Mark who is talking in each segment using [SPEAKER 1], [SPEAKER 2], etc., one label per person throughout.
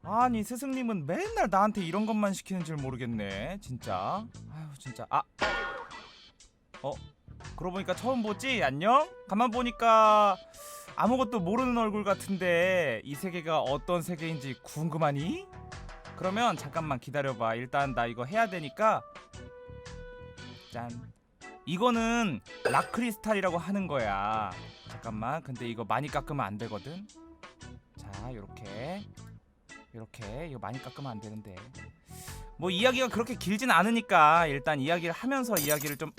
[SPEAKER 1] 아니 스승님은 맨날 나한테 이런 것만 시키는 줄 모르겠네 진짜. 아유 진짜. 그러고 보니까 처음 보지? 안녕? 가만 보니까 아무것도 모르는 얼굴 같은데 이 세계가 어떤 세계인지 궁금하니? 그러면 잠깐만 기다려봐. 일단 나 이거 해야 되니까. 짠. 이거는 락크리스탈이라고 하는 거야. 잠깐만. 근데 이거 많이 깎으면 안 되거든. 자, 요렇게 이거 많이 깎으면 안 되는데. 뭐 이야기가 그렇게 길진 않으니까 일단 이야기를 하면서 이야기를 좀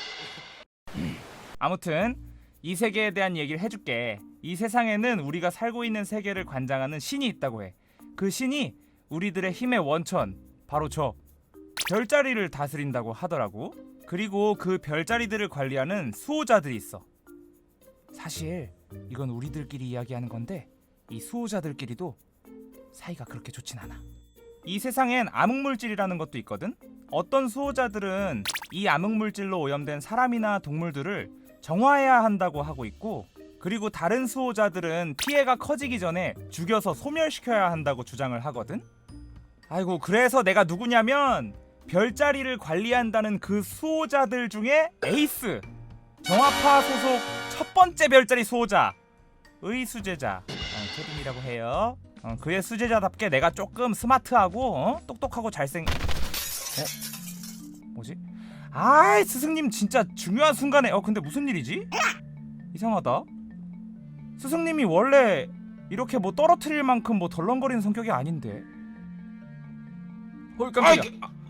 [SPEAKER 1] 아무튼 이 세계에 대한 얘기를 해줄게. 이 세상에는 우리가 살고 있는 세계를 관장하는 신이 있다고 해. 그 신이 우리들의 힘의 원천, 바로 저 별자리를 다스린다고 하더라고. 그리고 그 별자리들을 관리하는 수호자들이 있어. 사실 이건 우리들끼리 이야기하는 건데 이 수호자들끼리도 사이가 그렇게 좋진 않아. 이 세상엔 암흑물질이라는 것도 있거든. 어떤 수호자들은 이 암흑물질로 오염된 사람이나 동물들을 정화해야 한다고 하고 있고, 그리고 다른 수호자들은 피해가 커지기 전에 죽여서 소멸시켜야 한다고 주장을 하거든. 아이고, 그래서 내가 누구냐면 별자리를 관리한다는 그 수호자들 중에 에이스, 정화파 소속 첫 번째 별자리 수호자 의수제자 케빈이라고 해요. 그의 수제자답게 내가 조금 스마트하고 똑똑하고 뭐지? 아이 스승님 진짜 중요한 순간에 근데 무슨 일이지? 이상하다. 스승님이 원래 이렇게 뭐 떨어뜨릴 만큼 뭐 덜렁거리는 성격이 아닌데. 깜짝이야.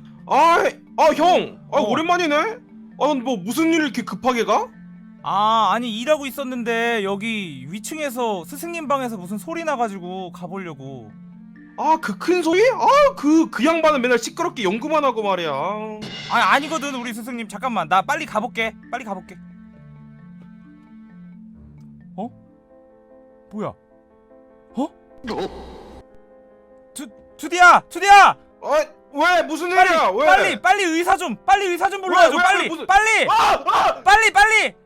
[SPEAKER 2] 형! 오랜만이네? 뭐 무슨 일 이렇게 급하게 가?
[SPEAKER 1] 아니 일하고 있었는데 여기 위층에서 스승님 방에서 무슨 소리 나가지고 가보려고.
[SPEAKER 2] 그 큰 소리? 그 양반은 맨날 시끄럽게 연구만 하고 말이야.
[SPEAKER 1] 아니거든 우리 스승님. 잠깐만 나 빨리 가볼게. 뭐야? 투디야!
[SPEAKER 2] 왜? 무슨 일이야? 왜?
[SPEAKER 1] 빨리 의사 좀 불러줘. 빨리.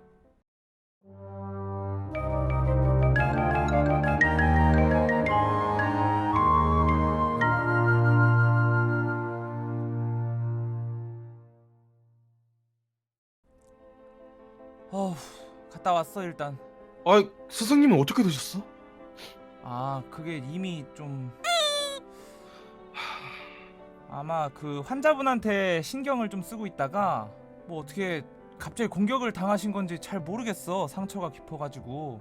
[SPEAKER 1] 갔다 왔어 일단.
[SPEAKER 2] 스승님은 어떻게 되셨어?
[SPEAKER 1] 그게 이미 좀 아마 그 환자분한테 신경을 좀 쓰고 있다가 뭐 어떻게 갑자기 공격을 당하신 건지 잘 모르겠어. 상처가 깊어가지고.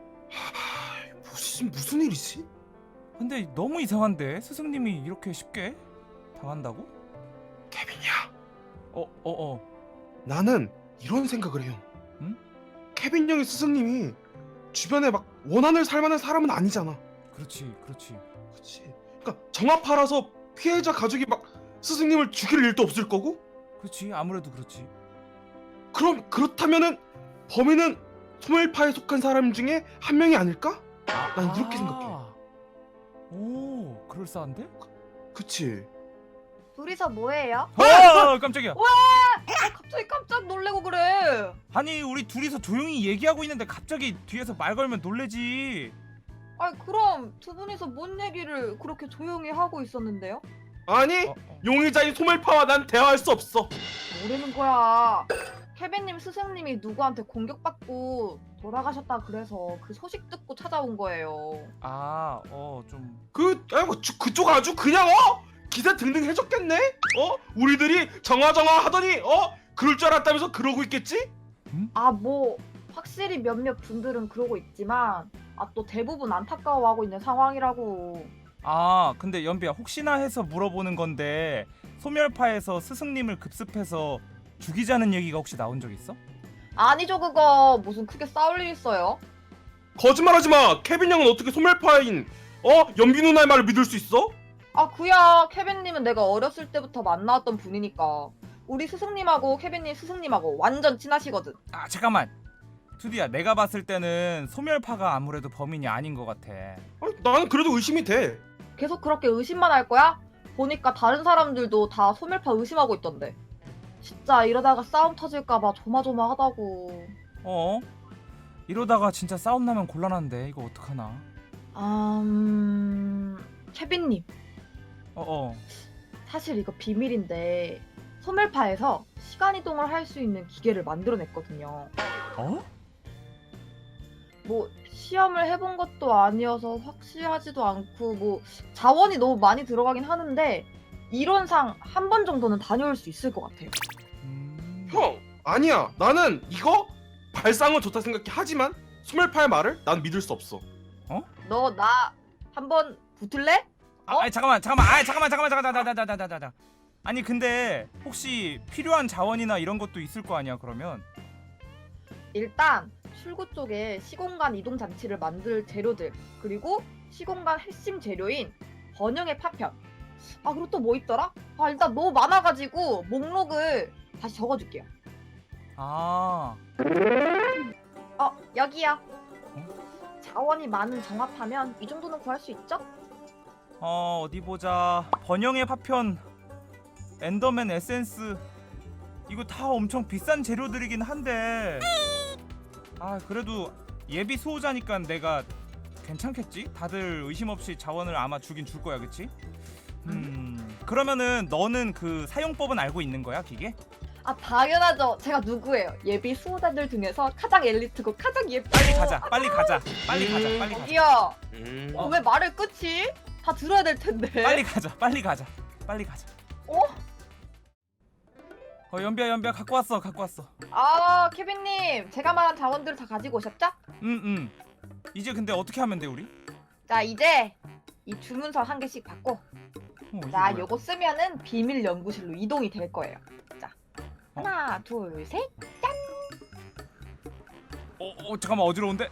[SPEAKER 2] 무슨 일이지?
[SPEAKER 1] 근데 너무 이상한데 스승님이 이렇게 쉽게 당한다고?
[SPEAKER 2] 케빈이야. 나는 이런 생각을 해요.
[SPEAKER 1] 응?
[SPEAKER 2] 케빈 형의 스승님이 주변에 막 원한을 살 만한 사람은 아니잖아.
[SPEAKER 1] 그렇지.
[SPEAKER 2] 그러니까 정합하라서 피해자 가족이 막 스승님을 죽일 일도 없을 거고.
[SPEAKER 1] 그렇지. 아무래도 그렇지.
[SPEAKER 2] 그렇다면은 범인은 소멸파에 속한 사람 중에 한 명이 아닐까? 난 이렇게 생각해.
[SPEAKER 1] 오, 그럴싸한데?
[SPEAKER 2] 그치?
[SPEAKER 3] 둘이서 뭐해요?
[SPEAKER 1] 깜짝이야.
[SPEAKER 3] 갑자기 깜짝 놀래고 그래.
[SPEAKER 1] 아니 우리 둘이서 조용히 얘기하고 있는데 갑자기 뒤에서 말 걸면 놀래지.
[SPEAKER 3] 그럼 두 분이서 뭔 얘기를 그렇게 조용히 하고 있었는데요?
[SPEAKER 2] 아니, 용의자인 소멸파와 난 대화할 수 없어.
[SPEAKER 3] 모르는 거야. 케빈님 스승님이 누구한테 공격받고 돌아가셨다 그래서 그 소식 듣고 찾아온 거예요.
[SPEAKER 1] 좀
[SPEAKER 2] 그쪽 아주 그냥 기세 등등 해줬겠네? 우리들이 정화 하더니 그럴 줄 알았다면서 그러고 있겠지?
[SPEAKER 3] 뭐 확실히 몇몇 분들은 그러고 있지만 또 대부분 안타까워하고 있는 상황이라고.
[SPEAKER 1] 근데 연비야 혹시나 해서 물어보는 건데 소멸파에서 스승님을 급습해서 죽이자는 얘기가 혹시 나온 적 있어?
[SPEAKER 3] 아니죠, 그거 무슨 크게 싸울 일 있어요?
[SPEAKER 2] 거짓말하지 마. 케빈 형은 어떻게 소멸파인 연비 누나의 말을 믿을 수 있어?
[SPEAKER 3] 그야 케빈님은 내가 어렸을 때부터 만나왔던 분이니까. 우리 스승님하고 케빈님 스승님하고 완전 친하시거든.
[SPEAKER 1] 잠깐만 투디야, 내가 봤을 때는 소멸파가 아무래도 범인이 아닌 것 같아.
[SPEAKER 2] 나는 그래도 의심이 돼.
[SPEAKER 3] 계속 그렇게 의심만 할 거야? 보니까 다른 사람들도 다 소멸파 의심하고 있던데. 진짜 이러다가 싸움 터질까봐 조마조마하다고.
[SPEAKER 1] 이러다가 진짜 싸움 나면 곤란한데 이거 어떡하나.
[SPEAKER 3] 케빈님,
[SPEAKER 1] 어어.
[SPEAKER 3] 사실 이거 비밀인데 소멸파에서 시간 이동을 할 수 있는 기계를 만들어냈거든요.
[SPEAKER 1] 어?
[SPEAKER 3] 뭐 시험을 해본 것도 아니어서 확실하지도 않고 뭐 자원이 너무 많이 들어가긴 하는데 이론상 한 번 정도는 다녀올 수 있을 것 같아요.
[SPEAKER 2] 형 아니야 나는 이거 발상은 좋다 생각해. 하지만 소멸파의 말을 난 믿을 수 없어.
[SPEAKER 3] 너 나 한번 붙을래?
[SPEAKER 1] 아니 잠깐만. 아니 근데 혹시 필요한 자원이나 이런 것도 있을 거 아니야 그러면?
[SPEAKER 3] 일단 출구 쪽에 시공간 이동 장치를 만들 재료들 그리고 시공간 핵심 재료인 번영의 파편. 아 그리고 또 뭐 있더라? 아 일단 너무 많아가지고 목록을 다시 적어줄게요.
[SPEAKER 1] 아.
[SPEAKER 3] 여기요. 자원이 많은 정합하면 이 정도는 구할 수 있죠?
[SPEAKER 1] 어디 보자. 번영의 파편, 엔더맨 에센스. 이거 다 엄청 비싼 재료들이긴 한데. 아 그래도 예비 수호자니까 내가 괜찮겠지? 다들 의심 없이 자원을 아마 주긴 줄 거야, 그치? 그러면은 너는 그 사용법은 알고 있는 거야, 기계?
[SPEAKER 3] 아 당연하죠. 제가 누구예요? 예비 수호자들 중에서 가장 엘리트고 가장 예쁘고.
[SPEAKER 1] 빨리 가자. 빨리 가자.
[SPEAKER 3] 여기요.
[SPEAKER 2] 음.
[SPEAKER 3] 왜 말을 끝이? 다 들어야 될 텐데.
[SPEAKER 1] 빨리 가자.
[SPEAKER 3] 어?
[SPEAKER 1] 연비야 갖고 왔어.
[SPEAKER 3] 아 케빈님, 제가 말한 자원들을 다 가지고 오셨죠?
[SPEAKER 1] 이제 근데 어떻게 하면 돼 우리?
[SPEAKER 3] 자 이제 이 주문서 한 개씩 받고
[SPEAKER 1] 이게
[SPEAKER 3] 자
[SPEAKER 1] 뭐야?
[SPEAKER 3] 요거 쓰면은 비밀 연구실로 이동이 될 거예요. 자 하나 둘 셋.
[SPEAKER 1] 잠깐만 어지러운데?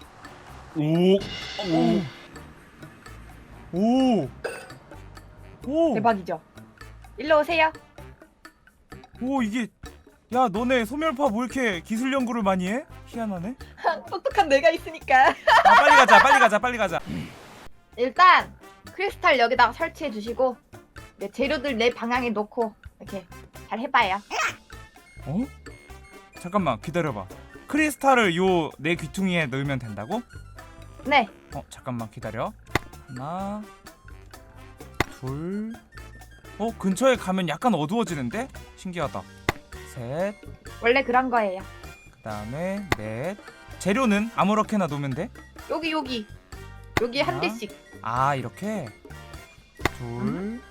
[SPEAKER 1] 오.
[SPEAKER 3] 대박이죠? 일로 오세요.
[SPEAKER 1] 오 이게 야 너네 소멸파 뭐 이렇게 기술 연구를 많이 해? 희한하네.
[SPEAKER 3] 똑똑한 내가 있으니까.
[SPEAKER 1] 아 빨리 가자.
[SPEAKER 3] 일단 크리스탈 여기다가 설치해 주시고 네, 재료들 내 방향에 놓고 이렇게 잘 해봐요.
[SPEAKER 1] 어? 잠깐만 기다려봐. 크리스탈을 요 내 귀퉁이에 넣으면 된다고?
[SPEAKER 3] 네.
[SPEAKER 1] 잠깐만 기다려. 하나, 둘. 근처에 가면 약간 어두워지는데? 신기하다. 셋,
[SPEAKER 3] 원래 그런 거예요.
[SPEAKER 1] 그다음에 넷. 재료는 아무렇게나 놓으면 돼?
[SPEAKER 3] 여기 한
[SPEAKER 1] 하나.
[SPEAKER 3] 대씩.
[SPEAKER 1] 아 이렇게. 둘,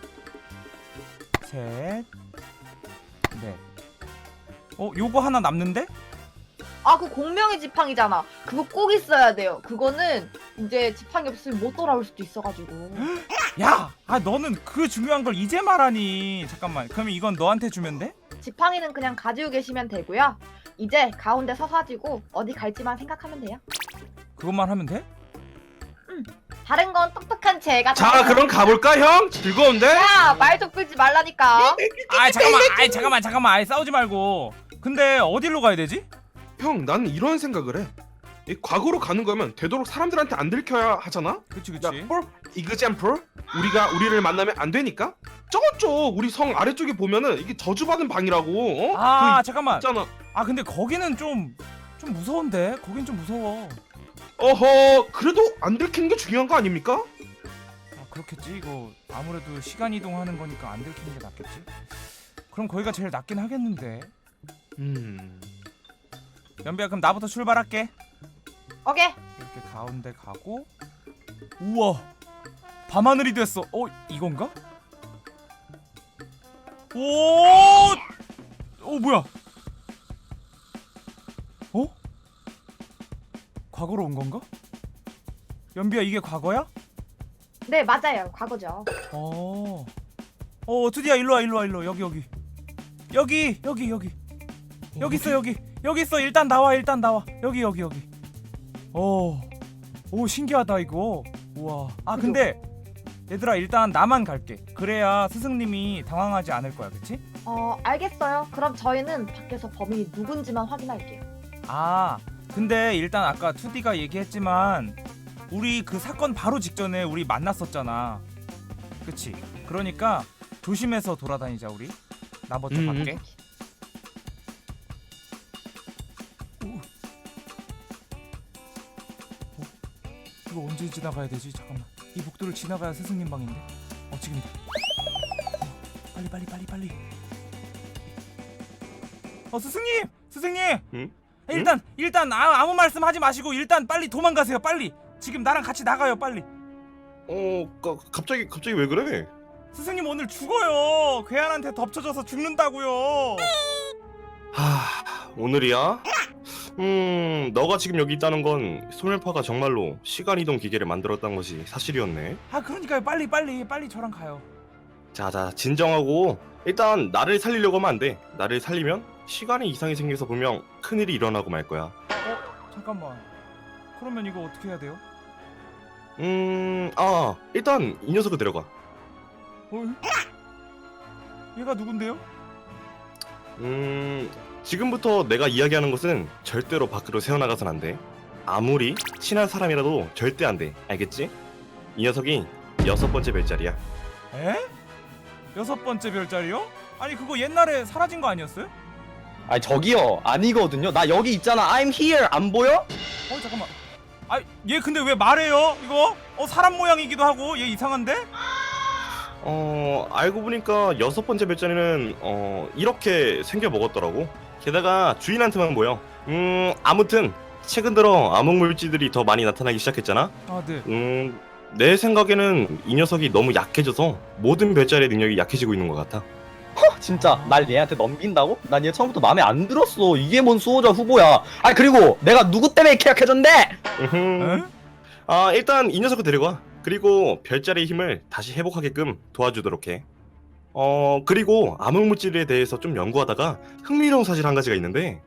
[SPEAKER 1] 셋, 넷. 요거 하나 남는데?
[SPEAKER 3] 아 그 공명의 지팡이잖아. 그거 꼭 있어야 돼요. 그거는 이제 지팡이 없으면 못 돌아올 수도 있어가지고.
[SPEAKER 1] 야, 너는 그 중요한 걸 이제 말하니. 잠깐만. 그러면 이건 너한테 주면 돼?
[SPEAKER 3] 지팡이는 그냥 가지고 계시면 되고요. 이제 가운데 서가지고 어디 갈지만 생각하면 돼요.
[SPEAKER 1] 그것만 하면 돼?
[SPEAKER 3] 다른 건 똑똑한 제가.
[SPEAKER 2] 자 그럼 가볼까 형? 즐거운데?
[SPEAKER 3] 야말 좀 끌지 말라니까.
[SPEAKER 1] 잠깐만. 싸우지 말고. 근데 어디로 가야 되지?
[SPEAKER 2] 형 나는 이런 생각을 해. 이 과거로 가는 거면 되도록 사람들한테 안 들켜야 하잖아.
[SPEAKER 1] 그치.
[SPEAKER 2] 야, for example, 우리를 만나면 안 되니까 저쪽 우리 성 아래쪽에 보면은 이게 저주받은 방이라고.
[SPEAKER 1] 잠깐만.
[SPEAKER 2] 있잖아.
[SPEAKER 1] 근데 거기는 좀 무서운데. 거긴 좀 무서워.
[SPEAKER 2] 어허, 그래도 안 들키는 게 중요한 거 아닙니까?
[SPEAKER 1] 그렇겠지. 이거 아무래도 시간 이동하는 거니까 안 들키는 게 낫겠지. 그럼 거기가 제일 낫긴 하겠는데. 연비야 그럼 나부터 출발할게.
[SPEAKER 3] 오케이.
[SPEAKER 1] 이렇게 가운데 가고. 우와 밤하늘이 됐어. 이건가? 뭐야? 과거로 온 건가? 연비야 이게 과거야?
[SPEAKER 3] 네 맞아요. 과거죠.
[SPEAKER 1] 투디야 일로 와. 여기 있어. 여기 있어. 일단 나와. 여기. 오 신기하다 이거. 우와. 근데 얘들아 일단 나만 갈게. 그래야 스승님이 당황하지 않을 거야, 그치?
[SPEAKER 3] 알겠어요. 그럼 저희는 밖에서 범인이 누군지만 확인할게요.
[SPEAKER 1] 근데 일단 아까 투디가 얘기했지만 우리 그 사건 바로 직전에 우리 만났었잖아. 그치? 그러니까 조심해서 돌아다니자 우리. 나 먼저 갈게. 이거 언제 지나가야 되지? 잠깐만. 이 복도를 지나가야 스승님 방인데. 지금이다. 빨리. 스승님.
[SPEAKER 2] 응?
[SPEAKER 1] 일단 아무 말씀 하지 마시고 일단 빨리 도망가세요. 빨리. 지금 나랑 같이 나가요. 빨리.
[SPEAKER 2] 갑자기 왜 그래?
[SPEAKER 1] 스승님 오늘 죽어요. 괴한한테 덮쳐져서 죽는다고요.
[SPEAKER 2] 오늘이야? 너가 지금 여기 있다는 건 소멸파가 정말로 시간 이동 기계를 만들었다는 것이 사실이었네.
[SPEAKER 1] 그러니까요. 빨리 저랑 가요.
[SPEAKER 2] 자, 진정하고 일단 나를 살리려고 하면 안 돼. 나를 살리면 시간에 이상이 생겨서 분명 큰일이 일어나고 말 거야.
[SPEAKER 1] 잠깐만. 그러면 이거 어떻게 해야 돼요?
[SPEAKER 2] 일단 이 녀석을 데려가.
[SPEAKER 1] 얘가 누군데요?
[SPEAKER 2] 지금부터 내가 이야기하는 것은 절대로 밖으로 새어나가선 안 돼. 아무리 친한 사람이라도 절대 안 돼. 알겠지? 이 녀석이 6번째 별자리야.
[SPEAKER 1] 에? 6번째 별자리요? 아니 그거 옛날에 사라진 거 아니었어요?
[SPEAKER 4] 아니 저기요 아니거든요. 나 여기 있잖아. I'm here. 안 보여?
[SPEAKER 1] 잠깐만. 얘 근데 왜 말해요? 이거? 사람 모양이기도 하고 얘 이상한데?
[SPEAKER 2] 알고 보니까 6번째 별자리는 이렇게 생겨 먹었더라고. 게다가 주인한테만 보여. 아무튼 최근 들어 암흑 물질들이 더 많이 나타나기 시작했잖아.
[SPEAKER 1] 네.
[SPEAKER 2] 내 생각에는 이 녀석이 너무 약해져서 모든 별자리의 능력이 약해지고 있는 것 같아.
[SPEAKER 4] 진짜 날 얘한테 넘긴다고? 난 얘 처음부터 마음에 안 들었어. 이게 뭔 수호자 후보야. 아니 그리고 내가 누구 때문에 이렇게 약해졌는데?
[SPEAKER 1] 에?
[SPEAKER 2] 일단 이 녀석을 데려가. 그리고 별자리의 힘을 다시 회복하게끔 도와주도록 해. 그리고 암흑 물질에 대해서 좀 연구하다가 흥미로운 사실 한 가지가 있는데.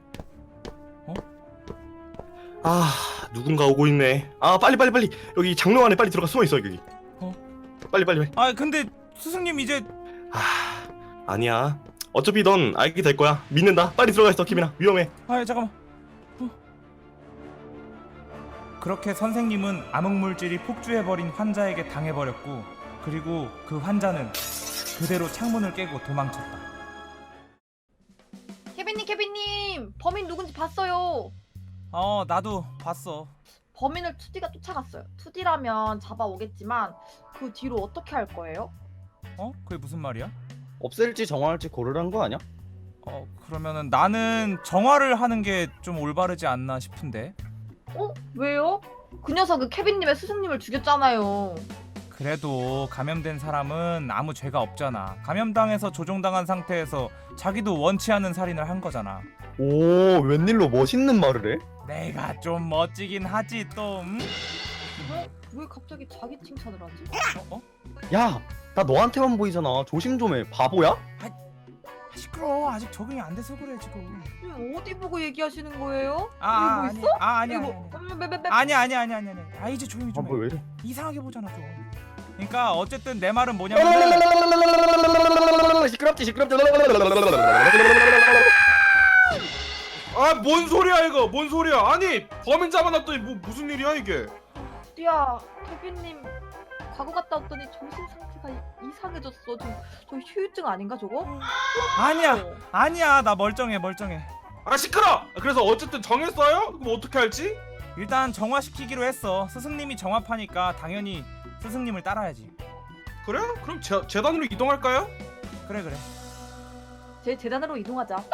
[SPEAKER 2] 누군가 오고 있네. 빨리 여기 장로 안에 빨리 들어가 숨어 있어 여기. 빨리.
[SPEAKER 1] 근데 스승님 이제
[SPEAKER 2] 아니야. 어차피 넌 알게 될 거야. 믿는다. 빨리 들어가 있어 키미나. 위험해.
[SPEAKER 1] 잠깐만. 그렇게 선생님은 암흑물질이 폭주해버린 환자에게 당해버렸고 그리고 그 환자는 그대로 창문을 깨고 도망쳤다.
[SPEAKER 3] 케빈님 범인 누군지 봤어요.
[SPEAKER 1] 나도 봤어.
[SPEAKER 3] 범인을 2D가 쫓아갔어요. 2D라면 잡아오겠지만 그 뒤로 어떻게 할 거예요?
[SPEAKER 1] 그게 무슨 말이야?
[SPEAKER 4] 없앨지 정화할지 고르라는 거 아니야?
[SPEAKER 1] 그러면은 나는 정화를 하는 게 좀 올바르지 않나 싶은데.
[SPEAKER 3] 왜요? 그 녀석은 케빈님의 스승님을 죽였잖아요.
[SPEAKER 1] 그래도 감염된 사람은 아무 죄가 없잖아. 감염당해서 조종당한 상태에서 자기도 원치 않는 살인을 한 거잖아.
[SPEAKER 4] 오 웬일로 멋있는 말을 해?
[SPEAKER 1] 내가 좀 멋지긴 하지 또.
[SPEAKER 3] 왜 갑자기 자기 칭찬을 하지?
[SPEAKER 4] 야 나 너한테만 보이잖아. 조심 좀 해. 바보야?
[SPEAKER 1] 시끄러워. 아직 적응이 안 돼서 그래 지금.
[SPEAKER 3] 어디 보고 얘기하시는 거예요?
[SPEAKER 1] 아니야.
[SPEAKER 3] 이러고 있어?
[SPEAKER 1] 아니야. 이제 조용히 좀 해.
[SPEAKER 4] 왜 이래?
[SPEAKER 1] 이상하게 보잖아 좀. 그러니까 어쨌든 내 말은 뭐냐면
[SPEAKER 4] 시끄럽지.
[SPEAKER 2] 뭔 소리야 이거? 뭔 소리야? 아니 범인 잡아놨더니 무슨 일이야 이게?
[SPEAKER 3] 야, 케빈님 과거 갔다 왔더니 정신 상태가 이상해졌어. 저 휴유증 아닌가 저거?
[SPEAKER 1] 아니야. 나 멀쩡해.
[SPEAKER 2] 시끄러! 그래서 어쨌든 정했어요? 그럼 어떻게 할지?
[SPEAKER 1] 일단 정화시키기로 했어. 스승님이 정화파니까 당연히 스승님을 따라야지.
[SPEAKER 2] 그래? 그럼 재단으로 이동할까요?
[SPEAKER 1] 그래.
[SPEAKER 3] 제 재단으로 이동하자.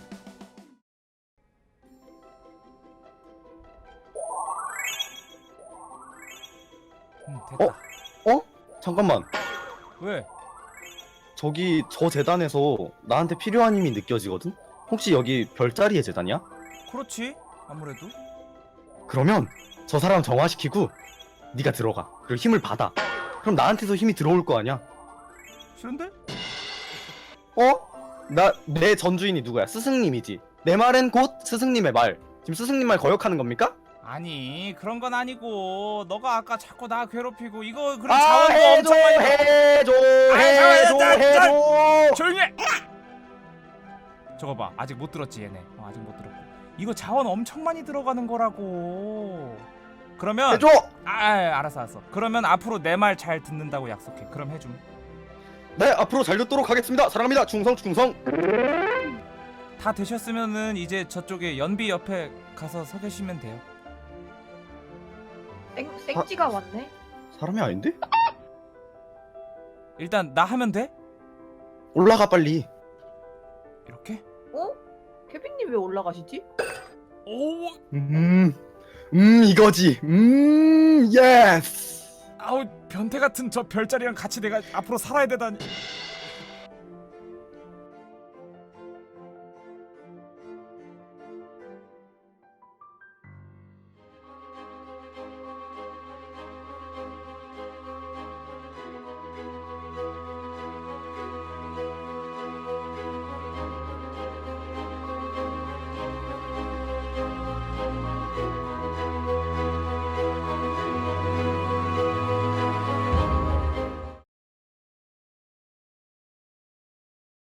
[SPEAKER 1] 됐다.
[SPEAKER 4] 잠깐만.
[SPEAKER 1] 왜?
[SPEAKER 4] 저기 저 재단에서 나한테 필요한 힘이 느껴지거든? 혹시 여기 별자리의 재단이야?
[SPEAKER 1] 그렇지. 아무래도.
[SPEAKER 4] 그러면 저 사람 정화시키고 네가 들어가. 그리고 힘을 받아. 그럼 나한테서 힘이 들어올 거 아니야?
[SPEAKER 1] 싫은데?
[SPEAKER 4] 내 전주인이 누구야? 스승님이지. 내 말은 곧 스승님의 말. 지금 스승님 말 거역하는 겁니까?
[SPEAKER 1] 아니 그런 건 아니고 너가 아까 자꾸 나 괴롭히고 이거 그럼 자원도 엄청 많이
[SPEAKER 4] 해줘.
[SPEAKER 1] 조용히 해! 저거 봐. 아직 못 들었지 얘네. 아직 못 들었고. 이거 자원 엄청 많이 들어가는 거라고. 그러면
[SPEAKER 4] 해줘.
[SPEAKER 1] 알았어. 그러면 앞으로 내 말 잘 듣는다고 약속해. 그럼 해줌.
[SPEAKER 4] 네, 앞으로 잘 듣도록 하겠습니다. 사랑합니다. 충성.
[SPEAKER 1] 다 되셨으면은 이제 저쪽에 연비 옆에 가서 서 계시면 돼요.
[SPEAKER 3] 생지가 왔네.
[SPEAKER 4] 사람이 아닌데?
[SPEAKER 1] 일단 나 하면 돼?
[SPEAKER 4] 올라가 빨리.
[SPEAKER 1] 이렇게?
[SPEAKER 3] 어? 케빈님 왜 올라가시지?
[SPEAKER 1] 오,
[SPEAKER 4] 이거지. 예스.
[SPEAKER 1] 아우 변태 같은 저 별자리랑 같이 내가 앞으로 살아야 되다니.